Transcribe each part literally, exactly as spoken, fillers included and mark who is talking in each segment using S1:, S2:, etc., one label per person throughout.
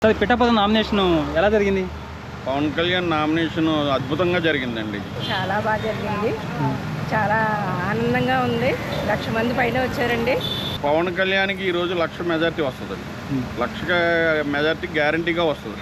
S1: Sir Pithapuram nomination ఎలా జరిగింది?
S2: Pawan Kalyan nomination అద్భుతంగా జరిగిందండి.
S3: చాలా బాగా జరిగింది. చాలా ఆనందంగా ఉంది. లక్ష మంది పైన వచ్చారండి.
S2: పవన్ కళ్యాణ్కి ఈరోజు లక్ష మెజార్టీ వస్తుందండి. లక్ష మెజార్టీ గ్యారంటీగా వస్తుంది.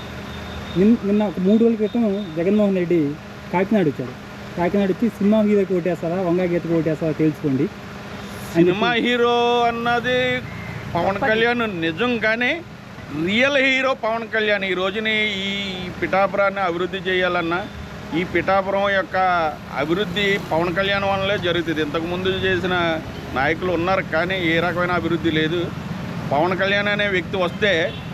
S1: నిన్న ఒక మూడు రోజుల క్రితం జగన్మోహన్ రెడ్డి కాకినాడ వచ్చాడు. కాకినాడ వచ్చి సినిమా హీరోకి ఓటేస్తారా వంగా గీతకు ఓటేస్తారా తెలుసుకోండి.
S2: సినిమా హీరో అన్నది పవన్ కళ్యాణ్ నిజం, కానీ రియల్ హీరో పవన్ కళ్యాణ్. ఈ రోజుని ఈ పిఠాపురాన్ని అభివృద్ధి చేయాలన్నా ఈ పిఠాపురం యొక్క అభివృద్ధి పవన్ కళ్యాణ్ వల్లే జరుగుతుంది. ఇంతకుముందు చేసిన నాయకులు ఉన్నారు కానీ ఏ రకమైన అభివృద్ధి లేదు. పవన్ కళ్యాణ్ అనే వ్యక్తి వస్తే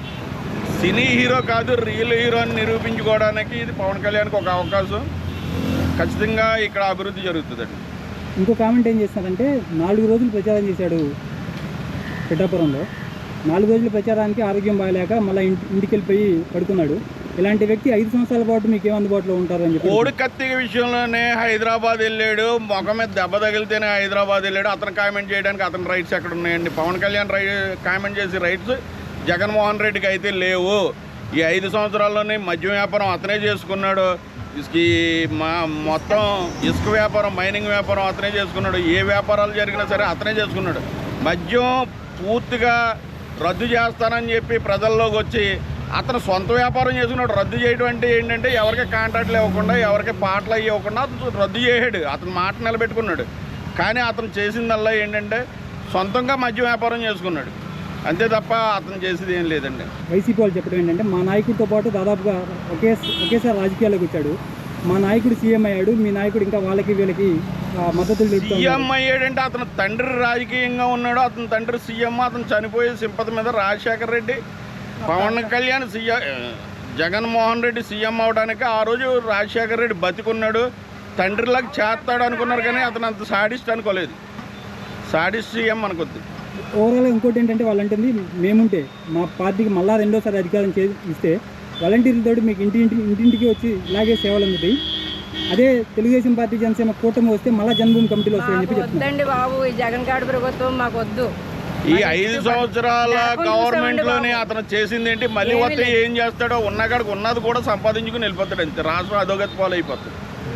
S2: సినీ హీరో కాదు రియల్ హీరో అని నిరూపించుకోవడానికి ఇది పవన్ కళ్యాణ్కి ఒక అవకాశం. ఖచ్చితంగా ఇక్కడ అభివృద్ధి జరుగుతుందండి.
S1: ఇంకో కామెంట్ ఏం చేస్తారంటే నాలుగు రోజులు ప్రచారం చేశాడు పిఠాపురంలో. నాలుగు రోజుల ప్రచారానికి ఆరోగ్యం బాగాలేక మళ్ళీ ఇంటి ఇంటికి వెళ్ళిపోయి పడుకున్నాడు. ఇలాంటి వ్యక్తి ఐదు సంవత్సరాల పాటు మీకు ఏం అందుబాటులో ఉంటారు అని చెప్పి
S2: కోడి కత్తి విషయంలోనే హైదరాబాద్ వెళ్ళాడు. మొఖం మీద దెబ్బ తగిలితేనే హైదరాబాద్ వెళ్ళాడు. అతను కామెంట్ చేయడానికి అతని రైట్స్ ఎక్కడ ఉన్నాయండి? పవన్ కళ్యాణ్ రై కామెంట్ చేసే రైట్స్ జగన్మోహన్ రెడ్డికి అయితే లేవు. ఈ ఐదు సంవత్సరాల్లోనే మద్యం వ్యాపారం అతనే చేసుకున్నాడు. ఈ మా మొత్తం ఇసుక వ్యాపారం మైనింగ్ వ్యాపారం అతనే చేసుకున్నాడు. ఏ వ్యాపారాలు జరిగినా సరే అతనే చేసుకున్నాడు. మద్యం పూర్తిగా రద్దు చేస్తానని చెప్పి ప్రజల్లోకి వచ్చి అతను సొంత వ్యాపారం చేసుకున్నాడు. రద్దు చేయడం అంటే ఏంటంటే ఎవరికి కాంట్రాక్ట్లు ఇవ్వకుండా ఎవరికి పాటలు ఇవ్వకుండా అతను రద్దు చేసాడు. అతను మాట నిలబెట్టుకున్నాడు. కానీ అతను చేసిందల్లా ఏంటంటే సొంతంగా మద్యం వ్యాపారం చేసుకున్నాడు అంతే తప్ప అతను చేసేది ఏం లేదండి.
S1: వైసీపీ వాళ్ళు చెప్పడం ఏంటంటే మా నాయకుడితో పాటు దాదాపుగా ఒకే ఒకేసారి రాజకీయాల్లోకి వచ్చాడు. మా నాయకుడు సీఎం అయ్యాడు, మీ నాయకుడు ఇంకా వాళ్ళకి వీళ్ళకి మద్దతు
S2: సీఎం అయ్యాడంటే అతను తండ్రి రాజకీయంగా ఉన్నాడు. అతని తండ్రి సీఎం. అతను చనిపోయే సింపతి మీద రాజశేఖర్ రెడ్డి పవన్ కళ్యాణ్ సీఎం జగన్మోహన్ రెడ్డి సీఎం అవడానికి ఆ రోజు రాజశేఖర్ రెడ్డి బతికున్నాడు. తండ్రిలాగా చేస్తాడు అనుకున్నారు కానీ అతను అంత సాడిస్ట్ అనుకోలేదు. Sadist CM అనుకొద్ది.
S1: ఓవరాల్ ఇంకోటి ఏంటంటే వాళ్ళంటుంది మేముంటే మా పార్టీకి మళ్ళా రెండోసారి అధికారం చే ఇస్తే వాలంటీర్లతో మీకు ఇంటి ఇంటి ఇంటింటికి వచ్చి ఇలాగే సేవలు అందుతాయి. అదే తెలుగుదేశం పార్టీ జనసేన కూటమి వస్తే మళ్ళీ జన్మభూమి కమిటీలు వస్తాయని చెప్పి చెప్తుంది.
S3: బాబు ఈ జగన్ గారి ప్రభుత్వం మాకు వద్దు.
S2: ఈ ఐదు సంవత్సరాల గవర్నమెంట్ లోనే అతను చేసింది ఏంటి? మళ్ళీ వస్తే ఏం చేస్తాడో ఉన్నకాడికి ఉన్నది కూడా సంపాదించుకుని వెళ్ళిపోతాడు అంతే. రాష్ట్రం అధోగతి పాలు అయిపోతుంది.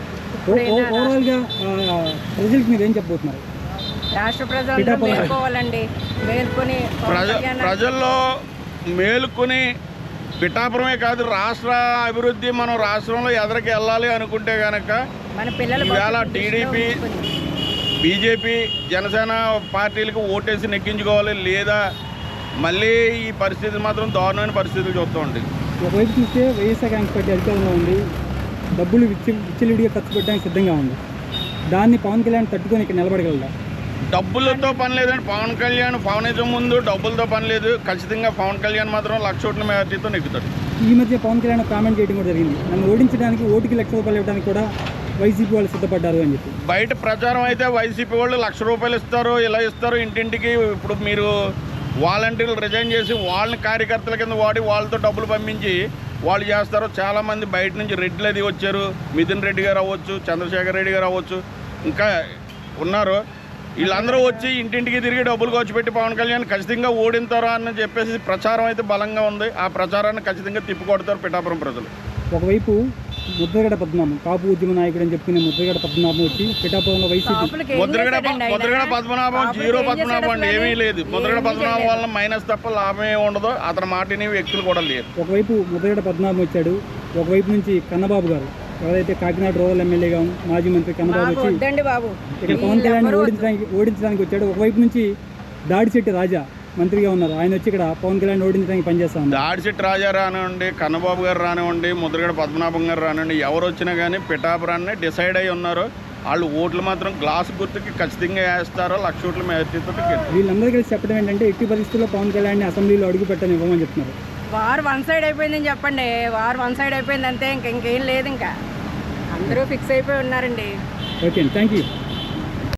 S1: ఓవరాల్ గా ప్రజలకు మీరు ఏం చెప్పబోతున్నారు?
S3: రాష్ట్ర ప్రజలు మేలుకోవాలండి. మేల్కొని
S2: ప్రజల్లో మేలుకొని పిఠాపురమే కాదు రాష్ట్ర అభివృద్ధి మనం రాష్ట్రంలో ఎదరికి వెళ్ళాలి అనుకుంటే కనుక ఇవాళ టీడీపీ బీజేపీ జనసేన పార్టీలకు ఓటేసి నెగ్గించుకోవాలి. లేదా మళ్ళీ ఈ పరిస్థితి మాత్రం దారుణమైన పరిస్థితులు చూస్తూ ఉంది.
S1: ఒకవైపు చూస్తే వైఎస్ఆర్ కాంగ్రెస్ పార్టీ అధికారంలో ఉంది, డబ్బులు విచ్చి విచ్చలిడిగా ఖర్చు పెట్టడానికి సిద్ధంగా ఉంది. దాన్ని పవన్ కళ్యాణ్ తట్టుకొని ఇక్కడ నిలబడగలరా?
S2: డబ్బులతో పని లేదండి. పవన్ కళ్యాణ్ పవనిజం ముందు డబ్బులతో పని లేదు. ఖచ్చితంగా పవన్ కళ్యాణ్ మాత్రం లక్ష ఓట్ల మెజార్టీతో నెగ్గుతాడు.
S1: ఈ మధ్య పవన్ కళ్యాణ్ కామెంట్ చేయడం కూడా జరిగింది, నన్ను ఓడించడానికి ఓటుకి లక్ష రూపాయలు ఇవ్వడానికి కూడా వైసీపీ వాళ్ళు సిద్ధపడ్డారు అని చెప్పి.
S2: బయట ప్రచారం అయితే వైసీపీ వాళ్ళు లక్ష రూపాయలు ఇస్తారు, ఇలా ఇస్తారు ఇంటింటికి. ఇప్పుడు మీరు వాలంటీర్లు రిజైన్ చేసి వాళ్ళని కార్యకర్తల కింద వాడి వాళ్ళతో డబ్బులు పంపించి వాళ్ళు చేస్తారు. చాలామంది బయట నుంచి రెడ్డిలు అది వచ్చారు. మిథున్ రెడ్డి గారు అవ్వచ్చు, చంద్రశేఖర్ రెడ్డి గారు అవ్వచ్చు, ఇంకా ఉన్నారు. వీళ్ళందరూ వచ్చి ఇంటింటికి తిరిగి డబ్బులు ఖర్చుపెట్టి పవన్ కళ్యాణ్ ఖచ్చితంగా ఓడింతారా అని చెప్పేసి ప్రచారం అయితే బలంగా ఉంది. ఆ ప్రచారాన్ని ఖచ్చితంగా తిప్పికొడతారు పిఠాపురం ప్రజలు.
S1: ఒకవైపు ముద్రగడ పద్మనాభం కాపు ఉద్యమ నాయకుడు అని చెప్పుకునే ముద్రగడ పద్మనాభం వచ్చి పిఠాపురంలో వైసీపీ
S2: ముద్రగడ ముద్రగడ పద్మనాభం జీరో పద్మనాభం అండి, ఏమీ లేదు. ముద్రగడ పద్మనాభం వల్ల మైనస్ తప్ప లాభం ఏమి ఉండదు. అతని మాటిని వ్యక్తులు కూడా లేరు.
S1: ఒకవైపు ముద్రగడ పద్మనాభం వచ్చాడు, ఒకవైపు నుంచి కన్నబాబు గారు ఎవరైతే కాకినాడ రూరల్ ఎమ్మెల్యేగా మాజీ మంత్రి కన్నబాబు వచ్చి ఇక్కడ పవన్ కళ్యాణ్ ఓడించడానికి ఓడించడానికి వచ్చాడు. ఒకవైపు నుంచి దాడిశెట్టి రాజా మంత్రిగా ఉన్నారు, ఆయన వచ్చి ఇక్కడ పవన్ కళ్యాణ్ ఓడించడానికి పనిచేస్తాను.
S2: దాడిశెట్టి రాజా రానివ్వండి, కన్నబాబు గారు రానివ్వండి, ముద్రగడ పద్మనాభం గారు రానివ్వండి, ఎవరు వచ్చినా కానీ పిఠాపురాన్ని డిసైడ్ అయి ఉన్నారు. వాళ్ళు ఓట్లు మాత్రం గ్లాసు గుర్తుకి ఖచ్చితంగా వేస్తారో లక్ష ఓట్ల మెజార్టీతో.
S1: వీళ్ళందరూ కలిసి చెప్పడం ఏంటంటే ఎట్టి పరిస్థితుల్లో పవన్ కళ్యాణ్ అసెంబ్లీలో అడుగు పెట్టని ఇవ్వమని చెప్తున్నారు.
S3: వార్ వన్ సైడ్ అయిపోయిందని చెప్పండి. వార్ వన్ సైడ్ అయిపోయింది అంతే, ఇంక ఇంకేం లేదు. ఇంకా అందరూ ఫిక్స్ అయిపోయి ఉన్నారండి.
S1: Okay, thank you.